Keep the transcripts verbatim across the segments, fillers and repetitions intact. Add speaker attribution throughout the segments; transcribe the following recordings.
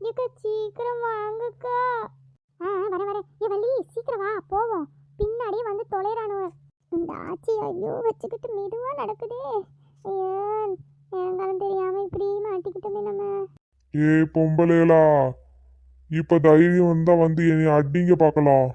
Speaker 1: ஏக்கா சீக்கிரம் வாங்கக்கா. ஆ வர வர ஏ வள்ளி சீக்கிரம் வா போவோம். பின்னாடியே வந்து தொலைறானுவ. இந்த ஆச்சி ஐயோ வச்சுக்கிட்டு மெதுவா நடக்குதே. ஐயோ எங்காலும் தெரியாம இப்படி மாட்டிக்கிட்டோமே நம்ம.
Speaker 2: ஏ பொம்பளைகளா, இப்ப தைரியம் வந்தா வந்து என்னை அடிங்க பார்க்கலாம்.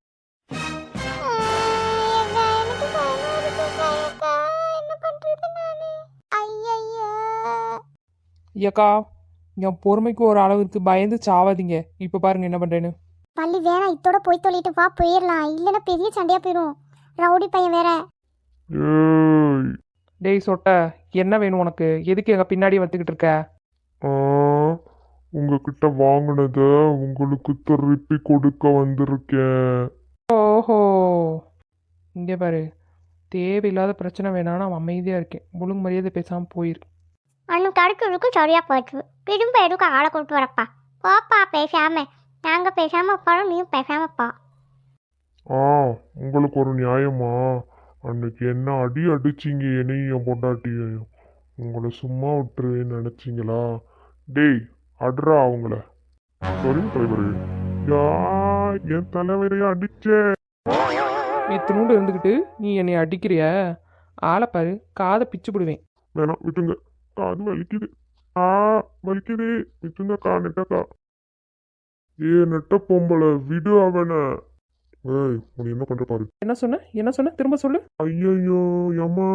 Speaker 3: ஐயாக்கா என் பொறுமைக்கு ஒரு அளவு இருக்கு, பயந்து சாவாதீங்க. இப்போ பாருங்க என்ன பண்றேன்னு.
Speaker 1: பள்ளி வேணாம், இத்தோட போய் தொலைட்டு வா போயிடலாம். இல்லைன்னா பெரிய சண்டையா போயிடும். ரவுடி பையன் வேற.
Speaker 2: ஏய்
Speaker 3: டேய் சொட்ட, என்ன வேணும் உனக்கு? எதுக்கு எங்க பின்னாடி வந்துக்கிட்டு இருக்க?
Speaker 2: ஆ, உங்ககிட்ட வாங்கினத உங்களுக்கு திருப்பி கொடுக்க வந்திருக்கேன்.
Speaker 3: ஓஹோ, இங்கே பாரு, தேவையில்லாத பிரச்சனை வேணாம். நான் அமைதியாக இருக்கேன். ஒழுங்கு மரியாதை பேசாமல் போயிரு.
Speaker 1: அண்ணன் கிடைக்கிறதுக்கு சரியா போச்சு. திரும்ப எதுக்கு ஆளை கொண்டு வரப்பா. போப்பா பேசாம. நாங்க பேசாம போறோம், நீயும் பேசாமப்பா.
Speaker 2: ஆ, உங்களுக்கு ஒரு நியாயமா? அன்னைக்கு என்ன அடி அடிச்சிங்க என்னையும் என் பொண்டாட்டியையும். உங்களை சும்மா விட்டுருவேன்னு நினைச்சிங்களா? டேய் அட்ரா அவங்கள. சரிங்க தலைவரே. யா, என் தலைவரைய அடிச்சே.
Speaker 3: இத்தினூண்டு இருந்துக்கிட்டு நீ என்னை அடிக்கிறிய? ஆளை பாரு, காதை பிச்சு போடுவேன்.
Speaker 2: வேணாம் விட்டுங்க, காது வலிக்குது. ஆ வலிக்குது, விட்டுங்கக்கா நெட்டக்கா. ஏ நெட்ட பொம்பளை விடு அவனை. ஏய் உன்னை என்ன பண்ற பாரு.
Speaker 3: என்ன சொன்ன என்ன சொன்ன திரும்ப சொல்லு.
Speaker 2: ஐயோ அம்மா,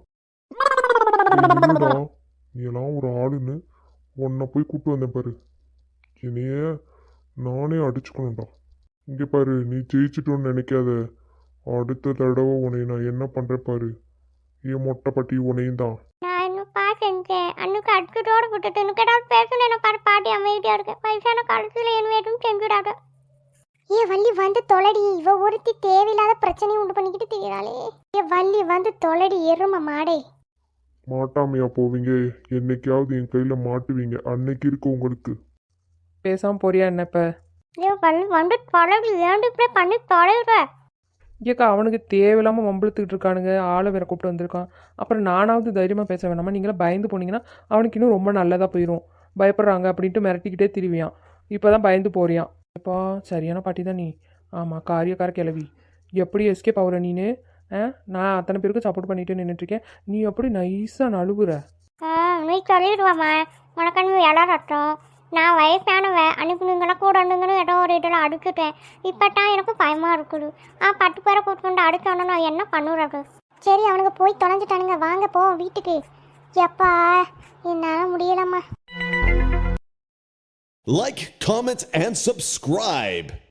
Speaker 2: நீ எல்லாம் ஒரு ஆளுன்னு உன்னை போய் கூப்பிட்டு வந்தேன் பாரு. என்னைய நானே அடிச்சுக்கணும்டா. இங்கே பாரு, நீ ஜெயிச்சிட்டோன்னு நினைக்காத. அடுத்த தடவை உன்னை நான் என்ன பண்றேன் பாரு. ஏன் மொட்டை பட்டி உன்னையும் தான்.
Speaker 1: நான் இன்னும்ப்பா செஞ்சேன். அன்னைக்கு அடிச்சுட்டோட விட்டுட்டு எனக்கு ஏதாவது பேசணும். என்ன பாரு பாட்டி அமைதியா இருக்கு. வயசான காலத்துல என்ன எதுவும் செஞ்சுடாத. ஏ வள்ளி வந்து தொலைடி. இவ ஒருத்தி தேவையில்லாத பிரச்சனையை உண்டு பண்ணிக்கிட்டு தெரியறாளே. ஏ வள்ளி வந்து தொலைடி எரும மாடே.
Speaker 2: மாட்டாமையா போவீங்க? என்னைக்காவது என் கையில மாட்டுவீங்க. அன்னைக்கு இருக்கு உங்களுக்கு.
Speaker 3: பேசாமல் போறியா என்ன இப்போ?
Speaker 1: ஏ வள்ளி வந்து தொலைடி. ஏன்டி இப்படி பண்ணி தொலைற?
Speaker 3: ஏக்கா அவனுக்கு தேவையில்லாமல் மம்பளத்துக்கிட்டு இருக்கானுங்க. ஆளை வேற கூப்பிட்டு வந்திருக்கான். அப்புறம் நானாவது தைரியமாக பேச வேணாமா? நீங்களாம் பயந்து போனீங்கன்னா அவனுக்கு இன்னும் ரொம்ப நல்லதாக போயிடும். பயப்படுறாங்க அப்படின்ட்டு மிரட்டிக்கிட்டே திரிவியான். இப்போ தான் பயந்து போறியான். இப்போ சரியான பாட்டி தான் நீ. ஆமாம், காரியக்கார கிளவி. எப்படி எஸ்கேப் ஆகுற நீனு? ஆ, நான் அத்தனை பேருக்கு சப்போர்ட் பண்ணிட்டு நின்றுட்டுருக்கேன். நீ எப்படி நைஸாக நழுவுற?
Speaker 1: ஆ நீ சொல்லிடுவாம்மா. உனக்கு விளாடட்டும். நான் வயசானவன். அன்னைக்கு நீங்களாம் கூட இருந்துங்கன்னு ஏதோ ஒரு இதில் அடிச்சுட்டேன். இப்போ தான் எனக்கு பயமாக இருக்குது. ஆ பத்து பேரை கூப்பிட்டு அடிச்சோன்னா நான் என்ன பண்ணுறது? சரி அவனுக்கு போய் தொலைஞ்சிட்டானுங்க. வாங்க போ வீட்டுக்கு. எப்பா என்னால் முடியலம்மா.
Speaker 4: Like, comment, and subscribe.